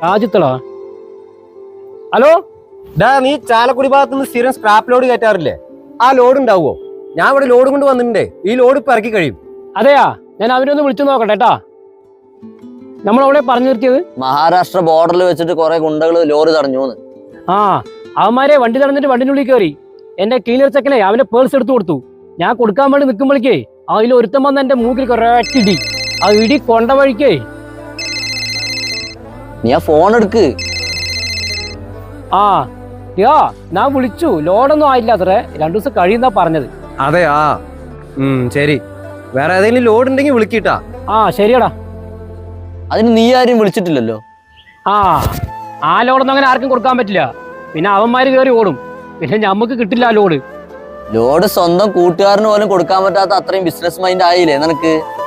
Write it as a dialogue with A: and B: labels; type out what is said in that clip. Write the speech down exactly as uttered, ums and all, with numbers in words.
A: രാജ്യത്തളാ? Hello,
B: ഡാ നീ ചാലക്കുടി ഭാഗത്തുനിന്ന് സ്ഥിരം സ്ക്രാപ്പ് ലോഡ് കയറ്റാറില്ലേ? ആ ലോഡ് ഉണ്ടാവുമോ? ഞാൻ ഇവിടെ ലോഡ് കൊണ്ട് വന്നിട്ടുണ്ടേ. ഈ ലോഡ് ഇപ്പൊ ഇറക്കി കഴിയും.
A: അതെയാ, ഞാൻ അവരൊന്ന് വിളിച്ചു നോക്കട്ടെ കേട്ടാ. നമ്മളവിടെ പറഞ്ഞു നിർത്തിയത്
C: മഹാരാഷ്ട്ര ബോർഡറിൽ വെച്ചിട്ട് കുറെ ഗുണ്ടകൾ ലോറി തടഞ്ഞു.
A: ആ, അവന്മാരെ വണ്ടി തടഞ്ഞിട്ട് വണ്ടിനുള്ളിൽ കയറി. എന്റെ ക്ലീനർ ചെക്കനെ അവന്റെ പേഴ്സ് എടുത്തു കൊടുത്തു. ഞാൻ കൊടുക്കാൻ വേണ്ടി നിൽക്കുമ്പോഴേക്കേ അതിൽ ഒരുത്തം വന്ന് എന്റെ മൂക്കിൽ കുറേറ്റിടി. ആ ഇടി കൊണ്ട വഴിക്കേ.
C: നീ ആ ഫോൺ എടുക്ക്.
A: ആ യാ, ഞാൻ വിളിച്ചു. ലോഡൊന്നും ആയില്ല അത്രേ, രണ്ടു ദിവസം കഴിയുന്നാ പറഞ്ഞത്.
B: അതെ, ആ ഉം ശരി. വേറെ ഏതെങ്കിലും ലോഡ് ഉണ്ടെങ്കിൽ വിളിക്കിട്ടാ.
A: ആ ശരിയടാ.
C: അതിന് നീ ആരും വിളിച്ചിട്ടില്ലല്ലോ.
A: ആ ആ ലോഡൊന്നും അങ്ങനെ ആർക്കും കൊടുക്കാൻ പറ്റില്ല. പിന്നെ അവന്മാര് കയറി ഓടും. പിന്നെ ഞമ്മക്ക് കിട്ടില്ല ആ ലോഡ്.
C: ലോഡ് സ്വന്തം കൂട്ടുകാരന് പോലും കൊടുക്കാൻ പറ്റാത്ത അത്രയും ബിസിനസ് മൈൻഡ് ആയില്ലേ നിനക്ക്?